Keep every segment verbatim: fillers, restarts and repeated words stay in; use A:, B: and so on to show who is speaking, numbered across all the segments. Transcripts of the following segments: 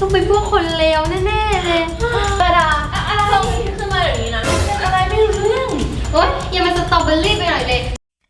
A: ต้องเป็นพวกคนเลวแน่ๆเลยกระดาอะไรขึ้นมาอย่างนี้นะอะไรไม่รู้เรื่องโอ๊ยอย่ามาสตรอเบอรี่ไปหน่อยเลย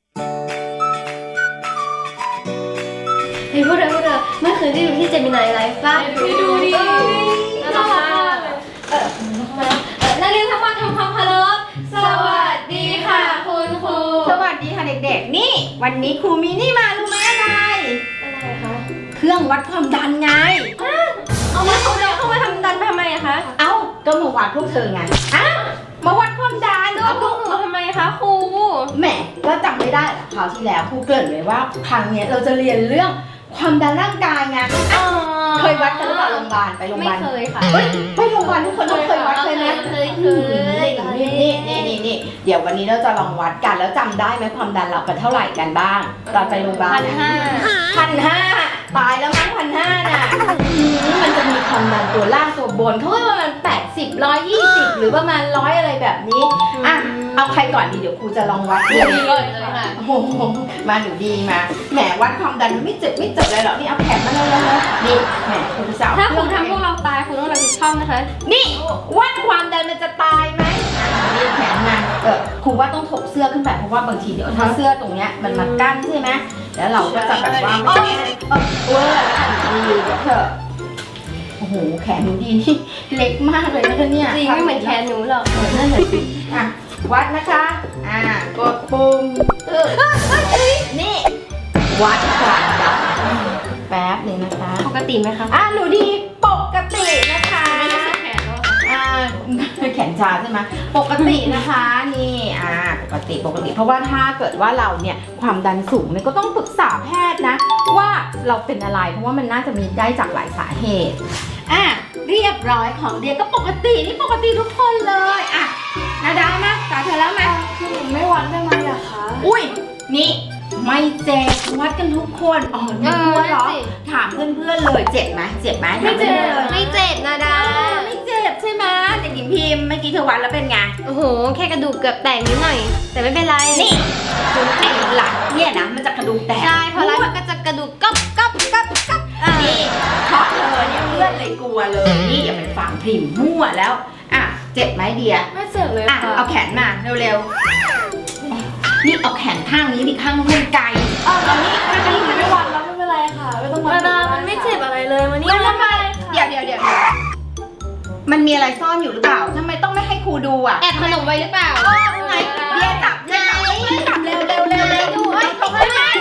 A: เฮ้ยพวกเธอพวกเธอเมื่อคืนได้ดูที่เจมินายไลฟ์ป่ะได้ดูดิน่ารักมากเลยเออนักเรียนทั้งวันทำความเคารพสวัสดีค่ะคุณครู
B: สวัสดีค่ะเด็กๆนี่วันนี้ครูมีนี่มารู้ไหมอะไร
A: อะไรคะ
B: เครื่องวัดความดันไง
A: เอามาเขาเลยเข้ามาทำดันไปทำไมอะคะ
B: เอ้าก็มาวัดพวกเธอไงอ้าวมาวัดความดัน
A: เอาพวกหนูทำไมคะครู
B: แหมก็จำไม่ได้คราวที่แล้วครูเกริ่นไว้ว่าครั้งนี้เราจะเรียนเรื่องความดันร่างกายไงเคยวัดกันหรือเปล่าโรงพยาบาลไปโรงพยาบาล
A: ไม่เคยค่ะ
B: ไปโรงพยาบาลทุกคนต้องเคยวัดเลยนะ
A: เคยเคย
B: นี่นี่นี่นี่เดี๋ยววันนี้เราจะลองวัดกันแล้วจำได้ไหมความดันเราเป็นเท่าไหร่กันบ้างตอนไปโรงพยาบาล
A: พันห้า
B: พันห้าตายแล้วมั้งพันห้าน่ะมันจะมีความดันตัวล่างตัวบนเขาว่าประมาณแปดสิบร้อยยี่สิบหรือประมาณร้อยอะไรแบบนี้อ่ะเอาใครก่อนดีเดี๋ยวครูจะลองวัด
A: ดีเลยค่ะ
B: โอ้โหมาหนูดีมาแหมวัดความดันไม่เจ็บไม่เจ็บเลยหรอกนี่เอาแขนมาเลยเลยนี่แหมคุณสาว
A: ถ้าคุณทำพวกเราตายคุณต้องรับผิดชอบนะคะ
B: นี่วัดความดันมันจะตายไหมนี่แขนมาเออครูว่าต้องถกเสื้อขึ้นไปเพราะว่าบางทีเดี๋ยวถ้าเสื้อตรงเนี้ยมันมากั้นใช่ไหมแล้วเราก็จะแบบว่าไม่ได้เออเวอร์ดีเดี๋ยวเถอะโอ้โหแขนหนูดีนี่เล็กมากเลยนะคะเนี่ย
A: จริงไม่เหมือนแขนหนูหรอก
B: นั่นแหละสิอ่ะวัดนะคะอ่ากดปุ่มเออนี่วัดความดันแป๊บนึงนะคะ
A: ปกติไหมคะ
B: อ่ะหนูดีปกตินะคะอ่าแขนชาใช่ไหมปกตินะคะนี่อ่าปกติปกติเพราะว่าถ้าเกิดว่าเราเนี่ยความดันสูงเนี่ยก็ต้องปรึกษาแพทย์นะว่าเราเป็นอะไรเพราะว่ามันน่าจะมีได้จากหลายสาเหตุอ่ะเรียบร้อยของเดียก็ปกตินี่ปกติทุกคนเลยอ่ะนาดามาตาเธอแล้วมา
A: คือไม่วัดได้ไหมอะคะ
B: อุ้ยนี่ไม่เจ็บวัดกันทุกคนอ๋อไม่กลัวหรอถามเพื่อนๆเลยเจ็บไหมเจ็บไหม
A: ไม่เจ็บไม่เจ็บนะดา
B: ไม่เจ็บใช่ไหมเด็กหญิงพิมพ์เมื่อกี้เธอวัดแล้วเป็นไง
A: โอ้โหแค่กระดูกเกือบแตกนิดหน่อยแต่ไม่เป็นไร
B: นี่คุณไอ้หลังเนี่ยนะมันจะกระดูกแตก
A: ใช่เพราะแล้วมันก็จะกระดูกก๊อบก๊อบก๊อบก๊อบ
B: นี่เพราะเธอเนี่ยเพื่อนเลยกลัวเลยนี่อย่าไปฟังพิมพ์มั่วแล้วอ่ะเจ็บไหมเดีย
A: ไม่เจ็บเลย
B: อ่ะเอาแขนมาเร็วๆนี่เอาแขนข้างนี้ดิข้างนู้นไกล
A: อ๋อตอนนี้ข้างนี้ไม่วัดแล้วไม่เป็นไรค่ะไม่ต้องวัดมันไม่เจ็บอะไรเลยวันนี้
B: ทำไมเดี๋ยวเดี๋ยวเดี๋ยวมันมีอะไรซ่อนอยู่หรือเปล่าทำไมต้องไม่ให้ครูดูอ่ะ
A: แอบขนมไว้หรือเปล่า
B: ไหนเบียร์จับไหนจับเร็วเร็วเร็วดูเฮ้ยเขาไม่ไม่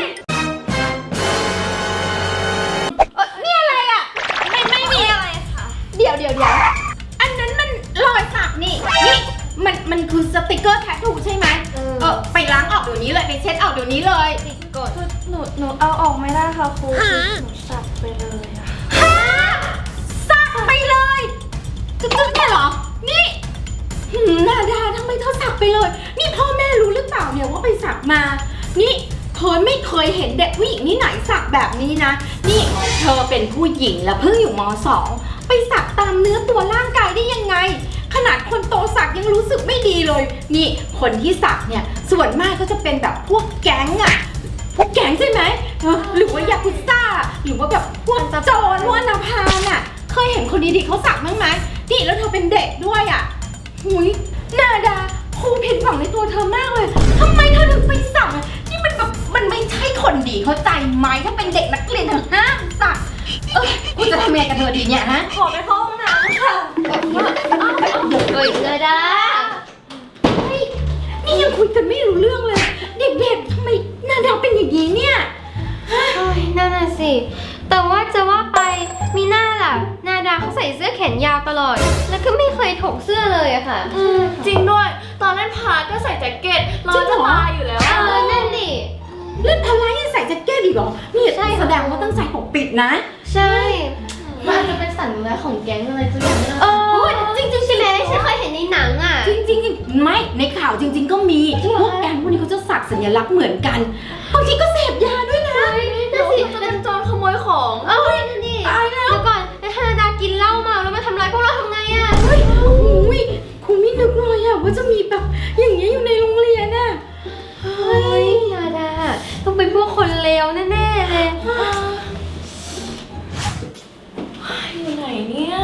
B: นี่อะไรอ่ะ
A: ไม่ไม่มีอะไรค่ะ
B: เดี๋ยวเดี๋ยวเดี๋ยวอันนั้นมันรอยสักนี่นี่มันมันคือสติกเกอร์แทททูใช่ไหมเออไปล้างออกเดี๋ยวนี้เลยไปเช็ดออกเดี๋ยวนี้เลย
A: กดหนูหนูเอาออกไม่ได้ค่ะครูหนูสักไปเลยอะ
B: สักไปเลยจุดๆเนี่ยเหรอนี่นาดาทำไมเธอสักไปเลยนี่พ่อแม่รู้หรือเปล่าเนี่ยว่าไปสักมานี่เคยไม่เคยเห็นเด็กผู้หญิงที่ไหนสักแบบนี้นะนี่เธอเป็นผู้หญิงแล้วเพิ่งอยู่ม.สองไปสักตามเนื้อตัวร่างกายได้ยังไงขนาดคนโตสักยังรู้สึกไม่ดีเลยนี่คนที่สักเนี่ยส่วนมากก็จะเป็นแบบพวกแก๊งอะพวกแก๊งใช่ไหมหรือว่ายากุซ่าหรือว่าแบบพวกโจรพวกนาพานอะเคยเห็นคนดีๆเขาสักมั้งไหมนี่แล้วเธอเป็นเด็กด้วยอะหุยนาดาครูผิดหวังในตัวเธอมากเลยทำไมเธอถึงไปสักนี่มันแบบมันไม่ใช่คนดีเข้าใจไหมถ้าเป็นเด็กนักเรียนเธอห้ามสักเออกูจะทำยังไงกับเธอดีเนี่ยฮะ
A: ขอไปเข้าห้องน้ำค่ะเฮ้ยนาดา
B: เฮ้ยนี่ยังคุยกันไม่รู้เรื่องเลยเด็กๆทำไมนาดาเป็นอย่างนี้เนี่ย
A: เฮ้ยนั่นน่ะสิแต่ว่าจะว่าไปมีหน้าล่ะนาดาเขาใส่เสื้อแขนยาวตลอดแล้วก็ไม่เคยถกเสื้อเลยอะค่ะ
C: จริงด้วยตอนเล่นพาก็ใส่แจ็คเก็ตร้อนจะตายอยู่แล้ว
A: เออนั่นดิ
B: เล่นพลายยังใส่แจ็คเก็ตอีกเหรอนี่ใช่แสดงว่าต้องใส่ปกปิดนะ
A: ใช่มันอาจจะเป็นสัญลักษณ์ของแก๊งอะไรสักอย่างเออจริงจริงใช่ไหมฉันเคยเห็นในหนังอ่ะ
B: จริงจริงไม่ในข่าวจริงๆก็มีพวกแก๊งพวกนี้เขาจะสักสัญลักษณ์เหมือนกันบางทีก็เสพยาด้วยนะ
C: นั่นสิเป็นโจรขโมยของ
A: เอ้ยนั่นดิตายแล้วแล้วก่อนไอ้ธนาดากินเหล้าเมาแล้วมาทำร้ายพวกเราทำไงอ่ะ
B: เฮ้ยโอ้ยครูไม่นึกเลยอ่ะว่าจะมีแบบอย่างเงี้ยอยู่ในโรงเรียนน่ะ
A: เฮ้ยนาดาต้องเป็นพวกคนเลวแน่ๆเลย
C: อยู่ไหนเนี่ย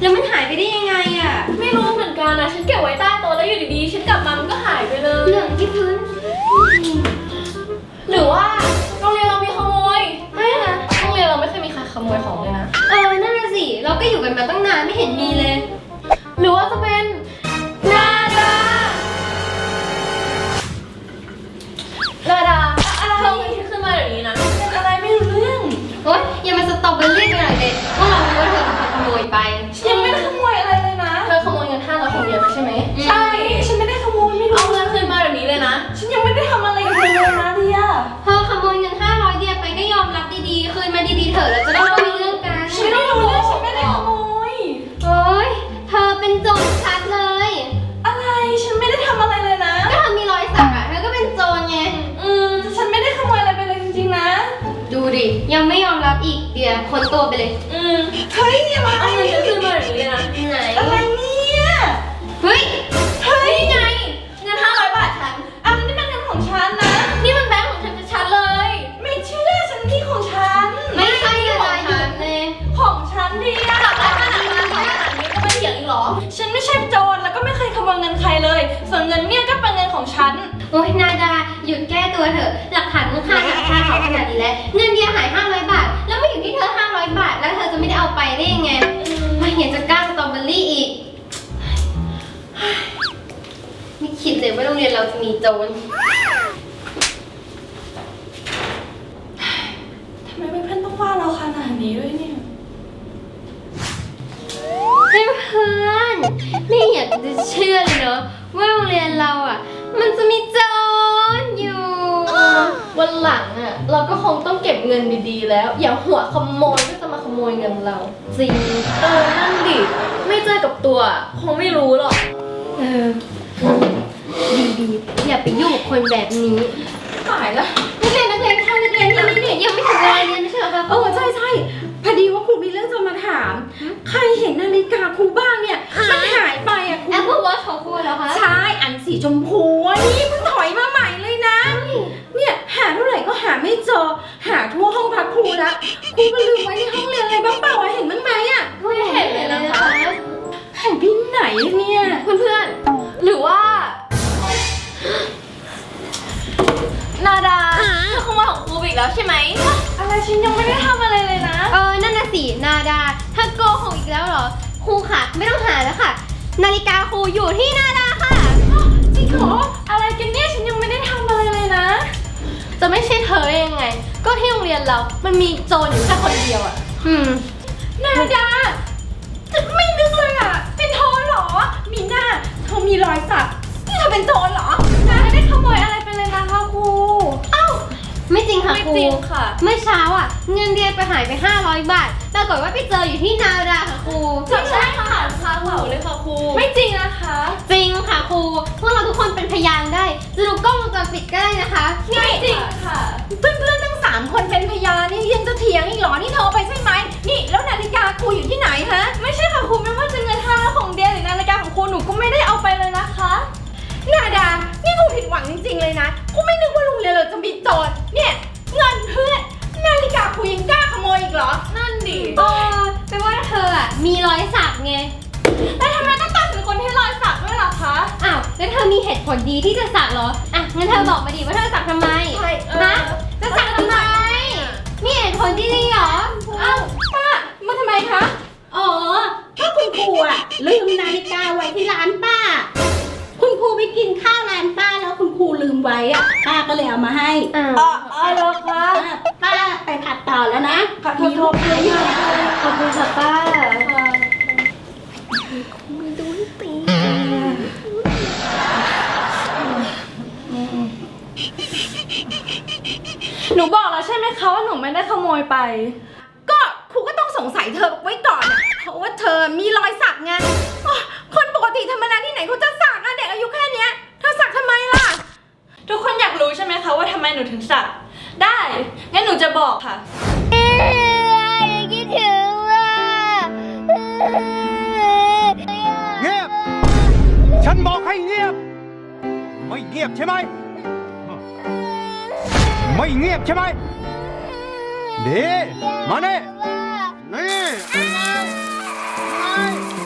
A: แล้วมันหายไปได้ยังไงอ่ะ
C: ไม่รู้เหมือนกันนะฉันเก็บไว้ใต้โต๊ะแล้วอยู่ดีๆฉันกลับมามันก็หายไปเลย
A: เรื่องที่พื้น
C: หรือว่าโรงเรียนเรามีขโมยไม่นะโรงเรียนเราไม่เคยมีใครขโมยของเลยนะ
A: เออนั่นน่ะสิเราก็อยู่กันมาตั้งนานไม่เห็นมีเลย
C: หรือว่าจะเป็นนาดานาดาเธอเงินที่ขึ้นมาแบบนี้นะ
B: อะไรไม่รู้เรื่อง
A: โอ๊ยอย่ามาสตรอเบอรี่ไปหน่อยเด็กพวกเรารู้ว่าเธอเป็นคนขโมยไป
B: ยังไม่ได้ขโมยอะไรเลยนะ
C: เธอขโมยเงินห้าร้อยของเรียนมาใช่ไหม
B: ใช่ฉันไม่ได้ขโมยไม่รู้
C: เอาเงินคืนมาแบบนี้เลยนะ
B: ฉันยังไม่ได้ทำอะไรกับเธอเลยนะเดีย
A: เธอขโมยเงินห้าร้อยเดียไปก็ยอมรับดีๆคืนมาดีๆเถอะแล้วจะได้ไม่มีเรื่องกัน
B: ฉันไม่รู้เรื่องฉันไม่ได้ขโมย
A: โอ๊ยเธอเป็นโจรชัดเลย
B: อะไรฉันไม่ได้ทำอะไรเลยนะ
A: ก็เธอมีรอยสักอะเธอก็เป็นโจรไง
B: อืมฉันไม่ได้ขโมยอะไรไปเลยจริงๆนะ
A: ดูดิยังไม่ยอมรับอีกเดียวคนตัวไปเลย
C: อืม
B: เฮ้ยอย่ามา
C: เอาเงินฉันคืนมาแบบนี้เลยนะ
A: ไหน
B: อะไรเนี่ย
A: เฮ้ย
B: เฮ้ย
C: นี่ไงเงินห้าร้อยบาทฉัน
B: อันนี้เป็นเงินของฉันนะ
C: นี่มันแบงค์ของฉันชัดๆเลย
B: ไม่เชื่อฉันที่ของฉัน
A: ไม่ใช่อะไรหยุดเลย
B: ของฉันเดีย
C: กลับได้ขนาดนั้นขนาดนี้ก็ไม่เถียงอีกเหรอ
B: ฉันไม่ใช่โจรแล้วก็ไม่เคยขโมยเงินใครเลย ส่วนเงินเนี่ยก็เป็นเงินของฉัน
A: โอ๊ยนาดาหยุดแก้ตัวเถอะหลักฐานมันค่าหลักค่าเขาขนาดนี้แล้วเงินเดียหายห้าร้อยบาท แล้วไม่อยู่ที่เธอห้าร้อยบาท แล้วเธอจะไม่ได้เอาไปได้ยังไงไม่เห็นจะกล้าสตรอเบอรี่อีกไม่คิดเลยว่าโรงเรียนเราจะมีโจร
B: ทำไมเพื่อนๆต้องว่าเราขนาดนี้ด้วยเนี่ย
A: เพื่อนๆไม่อยากจะเชื่อเลยเนาะว่าโรงเรียนเราอ่ะ มันจะมีโจรอยู่
C: วันหลังอ่ะเราก็คงต้องเก็บเงินดีๆแล้ว อย่าหัวขโมยก็จะมาขโมยเงินเรา
A: จริง
C: เออ นั่นดิ ไม่เจอกับตัว คงไม่รู้หรอก
A: เออดีๆอย่าไปยุ่งกับคนแบบนี้
B: ตายแล้ว
A: นักเรียนนักเรียนค่ะนักเรียนนี่นี่ยังไม่ถึงเวลาเรียนไม่ใช่เหรอคะ
B: เออใช่ใช่พอดีว่าครูมีเรื่องจะมาถาม ใครเห็นนาฬิกาครูบ้างเนี่ย มันหายไปอ่ะครู
A: แอปเปิลวอชของครูเหรอคะ
B: ใช่อันสีชมพูอ่ะนี่เพิ่งถอยมาใหม่เลยนะ เนี่ยหาเท่าไหร่ก็หาไม่เจอ หาทั่วห้องพักครูละครูมันลืมไว้ในห้องเรียนอะไรบ้างเปล่าวะเห็นบ้างไหมอ่ะ
A: ไม่เห็นเลยนะคะ
B: หายไปไหนเนี่ย
C: เพื่อนๆ หรือว่า นาดาเธอขโมยของครูอีกแล้วใช่ไหม
B: อะไรฉันยังไม่ได้ทำอะไรเลยนะ
A: เออนั่นน่ะสินาดาถ้าโกหกอีกแล้วเหรอครูค่ะไม่ต้องหาแล้วค่ะ นาฬิกาครูอยู่ที่นาดาค่ะ
B: จริงเหรออะไรกันเนี่ยฉันยังไม่ได้ทำอะไรเลยนะ
C: จะไม่ใช่เธอได้ยังไง ก็ที่โรงเรียนเรา มันมีโจรอยู่แค่คนเดียวอะ
A: อืม
B: นาดาจะไม่นึกเลยอ่ะ เป็นโทนเหรอ มีหน้าเธอมีรอยสักนี่เธอเป็นโจรเหรอนาไม่ได้ขโมยอะไรไปเลยนะคะครู เอ้า
A: ไม่จริงค่ะ
C: ไม่
A: ครู
C: จริงค่ะ
A: เมื่อเช้าอ่ะ เงินเดือนไปหายไปห้าร้อยบาทปรากฏว่าไปเจออยู่ที่นาดาค่ะครู
C: ใช่ค่ะคาเผาเลยค่ะครู
B: ไม่จริงนะคะ
A: จริงค่ะครูพวกเราทุกคนเป็นพยานได้จะดูกล้องวงจรปิดก็ได้นะคะ
B: ไม่จริงค่ะ เพื่อนๆทั้งสามคนเป็นพยานนี่ยังจะเถียงอีกเหรอ นี่เธอเอาไปใช่ไหม นี่แล้วนาฬิกาครูอยู่ที่ไหนฮะ ไม่ใช่ค่ะครูไม่ว่าจะเงินห้าร้อยของเดียหรือนาฬิกาของครูหนูก็ไม่ได้เอาไปเลยนะคะนาดา นี่ครูผิดหวังจริงๆเลยนะครูไม่นึกว่าโรงเรียนเราจะมีโจร เนี่ยเงินเพื่อนนาฬิกาครูยังกล้าขโมยอีกเหรอ
C: นั่นดิ
A: เออแปลว่าเธออ่ะมีรอยสักไง
B: แต่ทำไมต้องตัดสินคนที่รอยสักด้วยล่ะคะ
A: อ้าวแล้วเธอมีเหตุผลดีที่จะสักเหรออ่ะงั้นเธอบอกมาดิว่าเธอสักทำไม
B: ใช่เออ
A: ฮะจะสักทำไมมีเหตุผลที่ดีเหรอ
B: เอ้าป้ามาทำไมคะ
D: อ๋อ ก็คุณครูอะลืมนาฬิกาไว้ที่ร้านป้า คุณครูไปกินข้าวร้านป้าแล้วคุณครูลืมไว้อะป้าก็เลยเอามาให้
A: อ้าว
B: อ๋ออ๋อเหรอคะ
D: อ่ะป้าไปผัดต่อแล้วนะ
B: ค่ะ
D: มีโรคเยอะอยู่
A: ขอบคุณค่ะป้า
B: หนูบอกแล้วใช่ไหมคะว่าหนูไม่ได้ขโมยไป ก็ครูก็ต้องสงสัยเธอไว้ก่อนอะเพราะว่าเธอมีรอยสักไงอ๋อคนปกติธรรมดาที่ไหนเขาจะสักอะเด็กอายุแค่เนี้ยเธอสักทำไมล่ะ ทุกคนอยากรู้ใช่ไหมคะว่าทำไมหนูถึงสัก ได้ งั้นหนูจะบอกค่ะ
A: คิดถึงว่า
E: เงียบ ฉันบอกให้เงียบ ไม่เงียบใช่ไหม ไม่เงียบใช่ไหมดีมาเน่นี่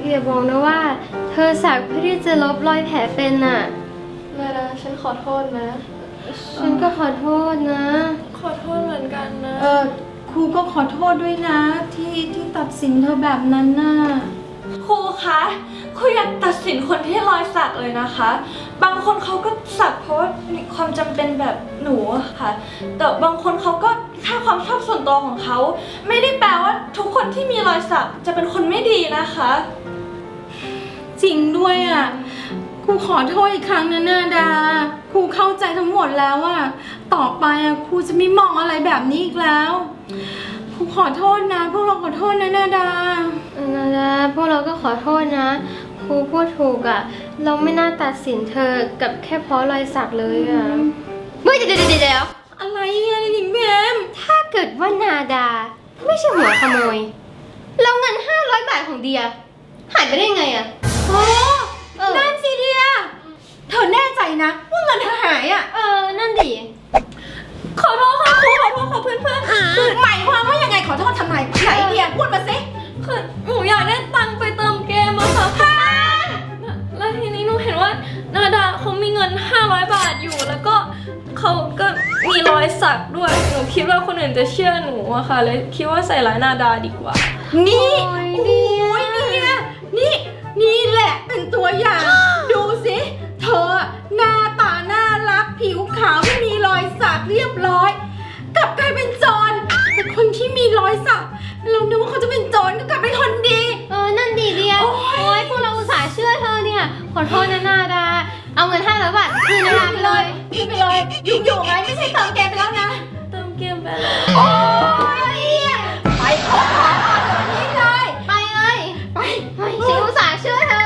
A: อย่าบอกนะว่า เธอสักเพื่อที่จะลบรอยแผลเป็นน่ะ
C: นาดาฉันขอโทษนะ
A: ฉันก็ขอโทษนะ
C: ขอโทษเหมือนกันนะ
B: เออครูก็ขอโทษด้วยนะที่ที่ตัดสินเธอแบบนั้นน่ะ
F: ครูคะครูอยากตัดสินคนที่รอยสักเลยนะคะ บางคนเขาก็สักเพราะว่ามีความจำเป็นแบบหนูอะค่ะ แต่บางคนเขาก็แค่ความชอบส่วนตัวของเขา ไม่ได้แปลว่าทุกคนที่มีรอยสักจะเป็นคนไม่ดีนะคะ
B: จริงด้วยอ่ะครูขอโทษอีกครั้งนะนาดาครูเข้าใจทั้งหมดแล้วอ่ะต่อไปอ่ะครูจะไม่มองอะไรแบบนี้อีกแล้วครูขอโทษนะพวกเราขอโทษนะนาดา
A: นาดาพวกเราก็ขอโทษนะ ครูพูดถูกอะ่ะ เราไม่น่าตัดสินเธอกับแค่เพราะรอยสักเลยอะ่ะเฮ้ยเดี๋ยวเดี๋ยวเดี๋ยว
B: อะไรอ่ะหญิงแมม
A: ถ้าเกิดว่านาดา ไม่ใช่หัวขโมยแล้วเงินห้าร้อยบาทของเดียหายไปได้ไงอะ่ะ
B: โอ้
A: เออ
B: นั่นสิเดียเธอแน่ใจนะว่าเงินเธอหายอ่ะ
A: เออนั่นดิ
B: ขอโทษค่ะครูขอโทษค่ะเพื่อนเพื่อนๆคือหมายความว่ายังไงขอโทษทำไมไหนเดียพูดมาสิ
C: คือหนูอยากได้ตังค์ไปเติมเกมอะค่ะแล้วทีนี้หนูเห็นว่านาดาเขามีเงินห้าร้อยบาทอยู่ แล้วก็เขาก็มีรอยสักด้วย หนูคิดว่าคนอื่นจะเชื่อหนูอะค่ะ เลยคิดว่าใส่ร้ายนาดาดีกว่า
B: นี่
A: โอ้
B: โอ้
A: ยเดีย
B: ยเนี่ยนี่นี่แหละเป็นตัวอย่าง ดูสิเธอหน้าตาน่ารักผิวขาวไม่มีรอยสักเรียบร้อยกลับกลายเป็นโจรแต่คนที่มีรอยสักเรานึกว่าเขาจะเป็นโจรก็กลายเป็นคนดี
A: เออนั่นดิเดีย
B: โอ๊ย
A: โอ้ยพวกเราอุตส่าห์เชื่อเธอเนี่ยขอโทษนะนาดา เอาเงินห้าร้อยบาทคืนนาดาไปเลย
B: ขึ้นไปเลยยุ่งอยู่ไงไม่ใช่เติมเกมไปแล้วนะ
C: เติมเกมไปแล้ว
B: โอ้ยไปขอขอเดี๋ยวนี้เลย
A: ไปเลย
B: ไป
A: เฮ้ยฉันอุตส่าห์เชื่อเธอ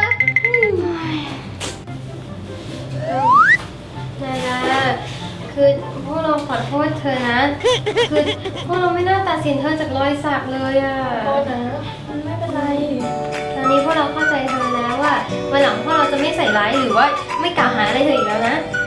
A: นาดาคือพวกเราขอโทษเธอนะ คือพวกเราไม่น่าตัดสินเธอจากรอยสักเลยอะ
C: โทษนะมันไม่เป็นไร
A: ตอนนี้พวกเราเข้าใจเธอแล้วว่าวันหลังพวกเราจะไม่ใส่ร้ายหรือว่าไม่กล่าวหาอะไรเธออีกแล้วนะ